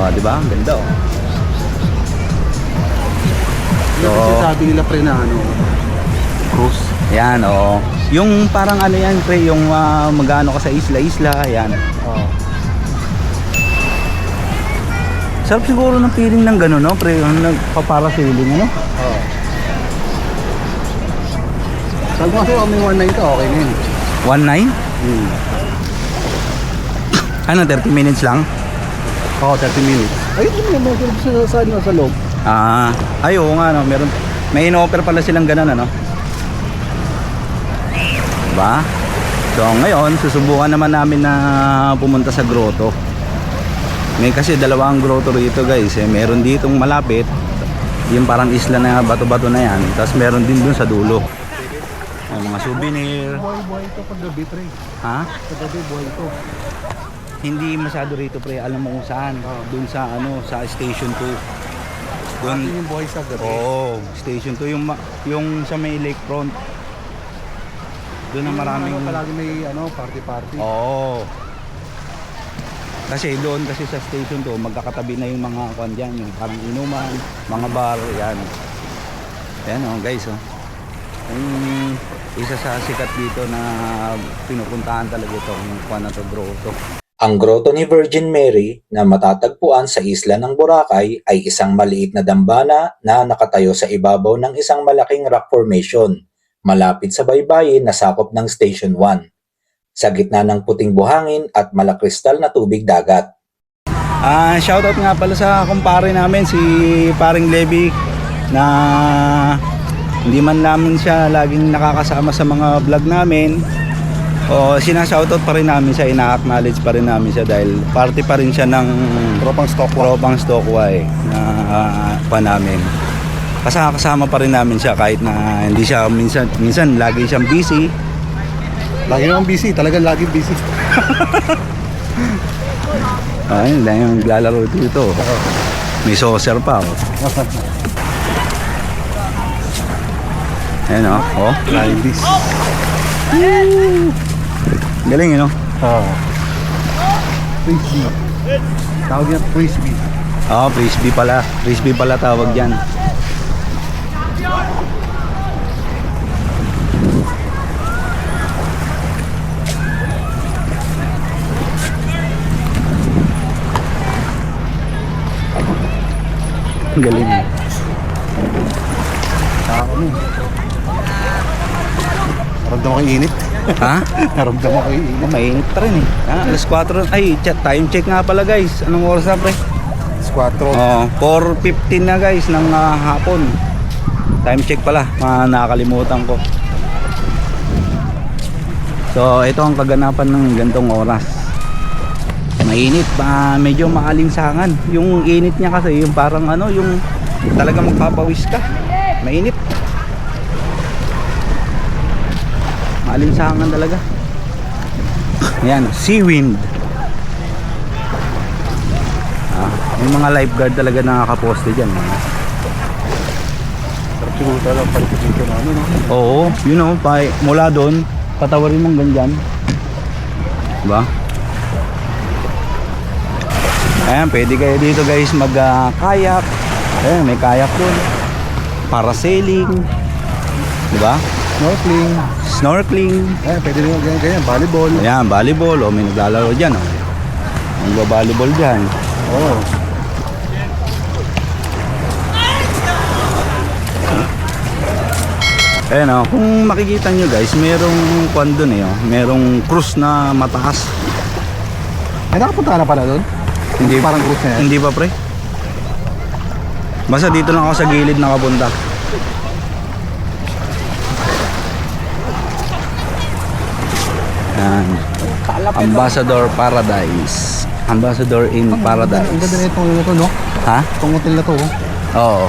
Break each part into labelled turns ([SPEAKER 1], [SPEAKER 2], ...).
[SPEAKER 1] Oh, di ba? Ang ganda oh.
[SPEAKER 2] Yung kasi sabi nila pre na ano, cruise.
[SPEAKER 1] Yan oh. Yung parang ano yan pre, yung magano ka sa isla-isla, yan.
[SPEAKER 2] Oo.
[SPEAKER 1] Sarap siguro ng feeling ng gano'n, no? Pre, yung nagpa-parasailing, ano?
[SPEAKER 2] Oo. Sabi ko kasi may 1.9 ka, okay na yun.
[SPEAKER 1] 1.9? Ano, 30 minutes lang?
[SPEAKER 2] Oo, 30 minutes. Ayun yung mga sa loob.
[SPEAKER 1] Ay, oo nga, no? Meron, may in-offer pala silang gano'n, ano? Diba? So, ngayon, susubukan naman namin na pumunta sa grotto. May kasi dalawang grotto rito guys eh. Meron ditong malapit, yung parang isla na bato-bato na yan. Tapos meron din dun sa dulo. Mga souvenir.
[SPEAKER 2] Buhay-buhay ito pag gabi pre.
[SPEAKER 1] Ha?
[SPEAKER 2] Pag gabi buhay ito.
[SPEAKER 1] Hindi masyado rito pre. Alam mo kung saan? Dun sa ano, sa Station 2. Dun
[SPEAKER 2] Yung buhay sa gabi.
[SPEAKER 1] Oo, Station 2 yung sa may lakefront. Doon na maraming
[SPEAKER 2] palagi may ano, party-party.
[SPEAKER 1] Oo. Kasi doon kasi sa Station 2 magkakatabi na yung mga kwan dyan, yung parang inuman, mga bar, yan. Yan oh guys oh. Yung isa sa sikat dito na pinupuntahan talaga itong kwan na to, grotto.
[SPEAKER 3] Ang grotto ni Virgin Mary na matatagpuan sa isla ng Boracay ay isang maliit na dambana na nakatayo sa ibabaw ng isang malaking rock formation malapit sa baybayin na sakop ng Station 1. Sa gitna ng puting buhangin at malakristal na tubig dagat.
[SPEAKER 1] Shoutout nga pala sa kumpare namin si Paring Levi na hindi man namin siya laging nakakasama sa mga vlog namin. O sinashoutout pa rin namin siya, ina-acknowledge pa rin namin siya dahil party pa rin siya ng
[SPEAKER 2] Tropang
[SPEAKER 1] Stokwa na pa namin. Kasama pa rin namin siya kahit na hindi siya minsan lagi siyang busy.
[SPEAKER 2] Lagi naman busy, talagang lagi busy.
[SPEAKER 1] Ayun, dahil yung naglalaro dito. May saucer pa oh. Ayan oh, oh.
[SPEAKER 2] Lagi busy.
[SPEAKER 1] Galing yun oh.
[SPEAKER 2] Oo. Frisbee. Tawag yan frisbee.
[SPEAKER 1] Oh, frisbee pala. Frisbee pala tawag dyan. Galing.
[SPEAKER 2] Ako mo. Naramdaman ko yung init.
[SPEAKER 1] Ha?
[SPEAKER 2] Naramdaman ko yung init.
[SPEAKER 1] Mainit pa rin eh. Alas 4. Ay, time check nga pala guys. Anong oras na pre?
[SPEAKER 2] Squatro.
[SPEAKER 1] Oh, 4:15 na guys ng hapon. Time check pala. Nakakalimutan ko. So, ito ang kaganapan ng gantong oras. Mainit, medyo maalinsangan. Yung init niya kasi yung parang ano, yung talaga magpapawis ka. Mainit. Maalinsangan talaga. Ayan, sea wind. Yung mga lifeguard talaga nakakaposte dyan.
[SPEAKER 2] Sarap siguro talaga palikot dito na ano, no?
[SPEAKER 1] Oo, you know, mula doon, patawarin mong ganyan. Diba? Ayan, pwede kayo dito guys mag-kayak. Ayan, may kayak doon. Parasailing. Diba?
[SPEAKER 2] Snorkeling.
[SPEAKER 1] Snorkeling.
[SPEAKER 2] Pwede rin ganyan, volleyball.
[SPEAKER 1] Ayan, volleyball. O, may naglalaro dyan. O. Nagba-volleyball dyan.
[SPEAKER 2] Oo.
[SPEAKER 1] Ayan o, kung makikita nyo guys, merong kwan doon eh. Merong cruise na mataas.
[SPEAKER 2] Ay, nakapunta ka na pala doon?
[SPEAKER 1] Hindi,
[SPEAKER 2] Parang cruise na yan?
[SPEAKER 1] hindi pa pre. Basta dito lang ako sa gilid nakapunta. Ayan. Ambassador Paradise. Ambassador in Paradise.
[SPEAKER 2] Ang ganda na itong na to, no?
[SPEAKER 1] Ha?
[SPEAKER 2] Itong hotel na to, oh.
[SPEAKER 1] Oo.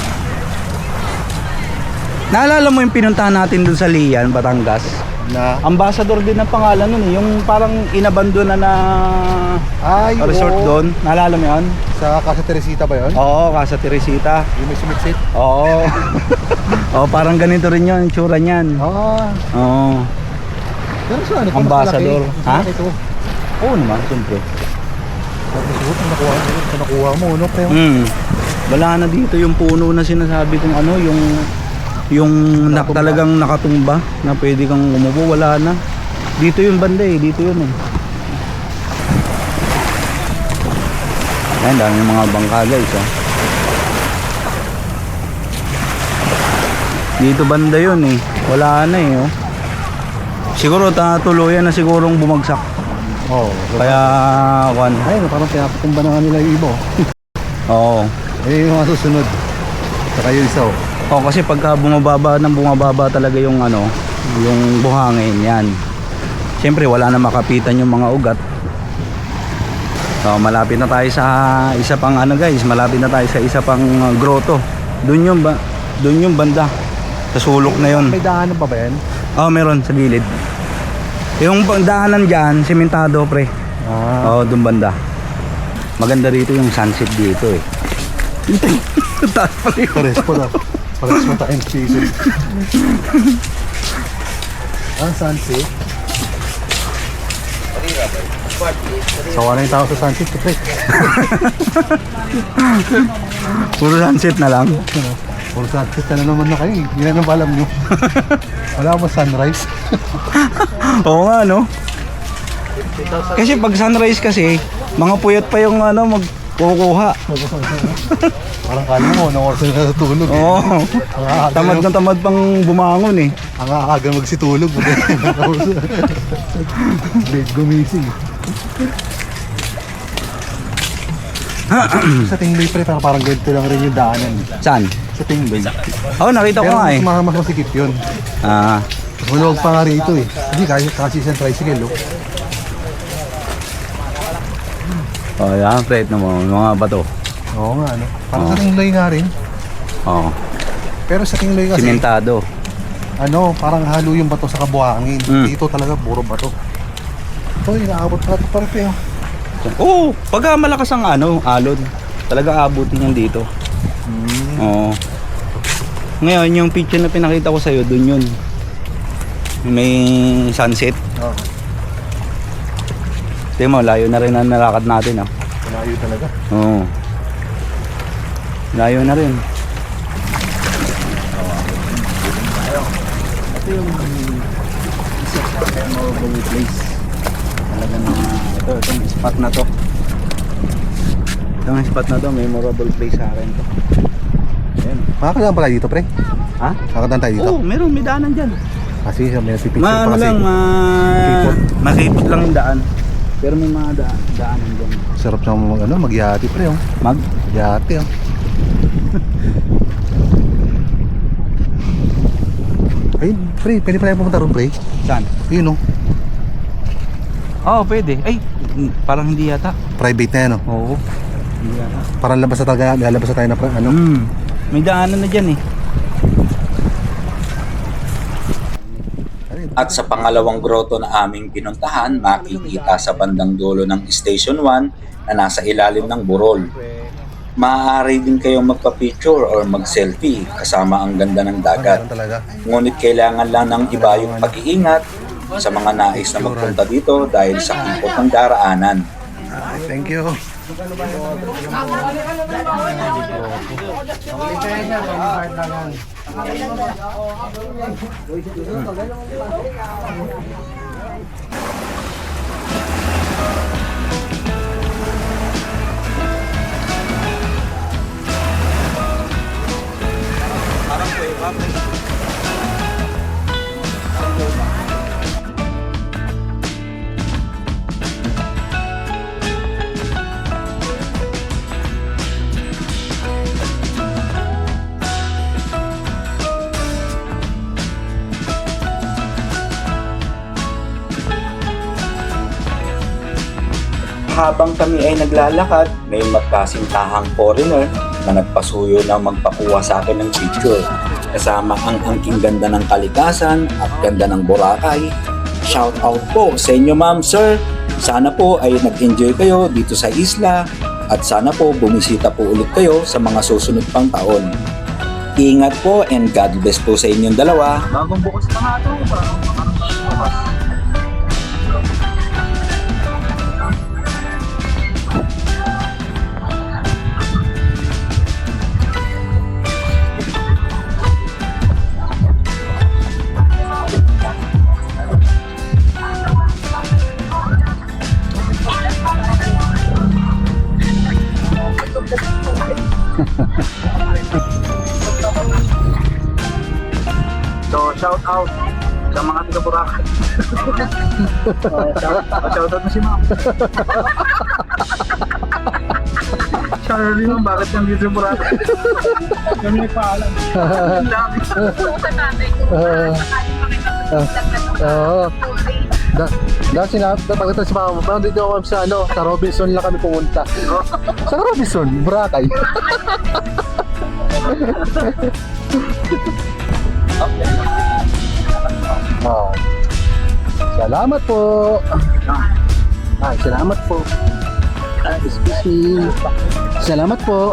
[SPEAKER 1] Naalala mo yung pinuntahan natin dun sa Lian, Batangas?
[SPEAKER 2] Na?
[SPEAKER 1] Ambassador din ang pangalan nun eh. Yung parang inabandona na
[SPEAKER 2] Ay,
[SPEAKER 1] resort
[SPEAKER 2] oo.
[SPEAKER 1] doon. Naalala mo yun?
[SPEAKER 2] Sa Casa Teresita ba yun?
[SPEAKER 1] Oo, Casa Teresita.
[SPEAKER 2] Yung may sumiksit?
[SPEAKER 1] Oo. Oo, parang ganito rin yun, tsura niyan.
[SPEAKER 2] Ah.
[SPEAKER 1] Oo.
[SPEAKER 2] Pero sa ano?
[SPEAKER 1] Ambassador.
[SPEAKER 2] Ha?
[SPEAKER 1] Ha? Oo naman, siyempre.
[SPEAKER 2] Nakuha mo, no, pre?
[SPEAKER 1] Wala na dito yung puno na sinasabi kong ano, yung talagang nakatumba na pwede kang umupo, wala na. Dito yung banda eh, dito yun eh. Ayan, dami yung mga bangka guys ah. Dito banda yun eh, wala na eh oh. Siguro tuluyan na sigurong bumagsak.
[SPEAKER 2] Oo.
[SPEAKER 1] Kaya kwan.
[SPEAKER 2] Ay, parang pinapatumba na nga nila yung iba.
[SPEAKER 1] Oo.
[SPEAKER 2] Eh, yung mga susunod. Saka yung isa, oh.
[SPEAKER 1] Oh, kasi pagka bumababa talaga yung ano, yung buhangin yan. Siyempre wala na makapitan yung mga ugat. So, malapit na tayo sa isa pang ano guys, malapit na tayo sa isa pang grotto. Doon yung banda. Sa sulok na yon.
[SPEAKER 2] May daanan pa ba yan?
[SPEAKER 1] Oh, meron sa gilid. Yung daanan diyan, sementado pre. Oh, doon banda. Maganda rito yung sunset dito eh. Taas pa rin.
[SPEAKER 2] Pares po na. Pares mo tayong season. Ang sunset. Sawa na yung tao sa sunset, pre.
[SPEAKER 1] Puro sunset na lang.
[SPEAKER 2] Puro sunset na naman na kayo. Hindi na naman alam nyo. Wala mo sunrise.
[SPEAKER 1] Oo nga no. Kasi pag sunrise kasi, mga puyat pa yung ano magkukuha.
[SPEAKER 2] Parang kala mo, na-orso na natutulog.
[SPEAKER 1] Oo. Tamad na tamad pang bumangon eh.
[SPEAKER 2] Ang aaga magsitulog. Late gumising. Sa Tingley pre, parang ganito lang rin yung daanan.
[SPEAKER 1] Saan?
[SPEAKER 2] Sa Tingley.
[SPEAKER 1] Oh, nakita ko nga eh.
[SPEAKER 2] Pero mas masikip yun.
[SPEAKER 1] Ah,
[SPEAKER 2] Mas maluwag pa nga rito eh. Hindi kasi isang tricycle oh.
[SPEAKER 1] oh yan, freight na mo, mga bato.
[SPEAKER 2] Oo nga ano. Parang sa Tingley nga rin.
[SPEAKER 1] Oo.
[SPEAKER 2] Pero sa Tingley kasi,
[SPEAKER 1] Simentado.
[SPEAKER 2] ano, parang halo yung bato sa kabuhangin. Dito talaga puro bato. Ito, inaabot pa ito pa rin oh.
[SPEAKER 1] Oo, pagka malakas ang ano, alon, talaga abutin yan dito. Oo. Ngayon, yung picture na pinakita ko sa'yo, dun yun. May sunset.
[SPEAKER 2] Oo.
[SPEAKER 1] Tingnan mo, layo na rin ang nalakad natin ah.
[SPEAKER 2] Malayo talaga.
[SPEAKER 1] Oo. Layo na rin. Ito yung memorable place. Talagang itong spot na to. Itong spot na to, memorable place sa akin to. Ayan.
[SPEAKER 2] Makakadaan pala dito pre?
[SPEAKER 1] Ha?
[SPEAKER 2] Makakadaan tayo dito?
[SPEAKER 1] Oo, meron, may daanan dyan.
[SPEAKER 2] Kasi may pipicture pa
[SPEAKER 1] Ano
[SPEAKER 2] kasi.
[SPEAKER 1] lang,
[SPEAKER 2] Sipot.
[SPEAKER 1] masipot lang yung daan. Pero may mga daanan dyan.
[SPEAKER 2] Sarap na magyati pre oh. Magyati oh. Ay pre, pwede pala pumunta ron pre.
[SPEAKER 1] Saan?
[SPEAKER 2] Yun oh.
[SPEAKER 1] Oo, pwede. Ay, parang hindi yata.
[SPEAKER 2] Private na yan oh.
[SPEAKER 1] Oo. Hindi yata.
[SPEAKER 2] Parang labas na talaga, lalabas na tayo na ano.
[SPEAKER 1] May daanan na dyan eh.
[SPEAKER 3] At sa pangalawang grotto na aming pinuntahan, makikita sa bandang dulo ng Station 1 na nasa ilalim ng burol. Maaari din kayong magpa-picture or mag-selfie kasama ang ganda ng dagat.
[SPEAKER 2] Meron talaga.
[SPEAKER 3] Ngunit kailangan lang ng ibayong pag-iingat sa mga nais na magpunta dito dahil sa kipot ng daraanan.
[SPEAKER 2] Ay, thank you.
[SPEAKER 3] Habang kami ay naglalakad, may magkasintahang foreigner na nagpasuyo na magpakuha sa akin ng picture. Kasama ang angking ganda ng kalikasan at ganda ng Boracay. Shout out po sa inyo ma'am, sir. Sana po ay nag-enjoy kayo dito sa isla at sana po bumisita po ulit kayo sa mga susunod pang taon. Ingat po and God bless po sa inyong dalawa. Bagong bukas na nga ito.
[SPEAKER 1] So, shout out sa mga taga Boracay. Shout out mo si ma'am. Sorry ma'am, bakit kang dito sa Boracay? Kami nagpaalam. Ang dami.
[SPEAKER 2] Oo. Dahil pagkatapos si mama, parang dito ako sa sa Robinson lang kami pumunta. Sa Robinson, Boracay. Oh. Salamat po. Salamat po. Excuse me. Salamat po.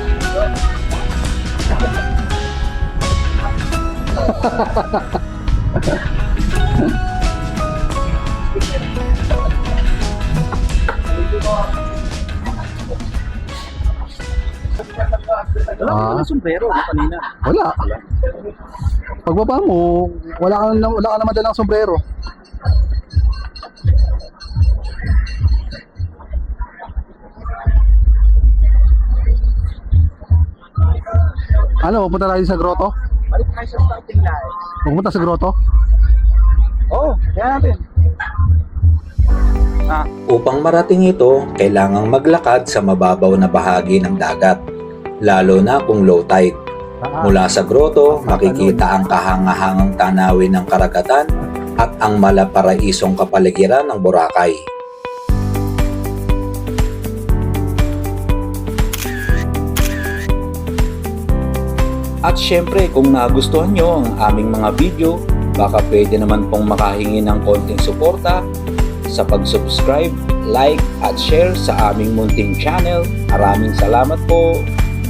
[SPEAKER 1] Wala ka ng sombrero kanina.
[SPEAKER 2] Wala. Pagbaba mo, wala ka naman dalang sombrero. Ano, pupunta tayo sa grotto?
[SPEAKER 1] Balik tayo sa starting line.
[SPEAKER 2] Pupunta sa grotto?
[SPEAKER 1] Oo, kaya natin.
[SPEAKER 3] Upang marating ito, kailangang maglakad sa mababaw na bahagi ng dagat, lalo na kung low tide. Mula sa grotto, makikita ang kahangahangang tanawin ng karagatan at ang malaparaisong kapaligiran ng Boracay. At syempre, kung nagustuhan nyo ang aming mga video, baka pwede naman pong makahingi ng konting suporta sa pag-subscribe, like at share sa aming munting channel. Maraming salamat po!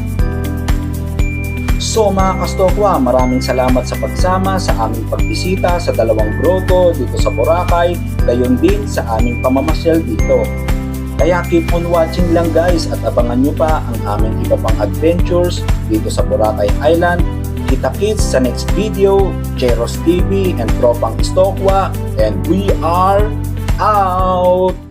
[SPEAKER 3] So mga kastokwa, maraming salamat sa pagsama sa aming pagbisita sa dalawang grotto dito sa Boracay, gayon din sa aming pamamasyal dito. Kaya keep on watching lang guys at abangan nyo pa ang aming iba pang adventures dito sa Boracay Island. Kita-kits sa next video, Cheros TV and Tropang Istokwa, and we are out!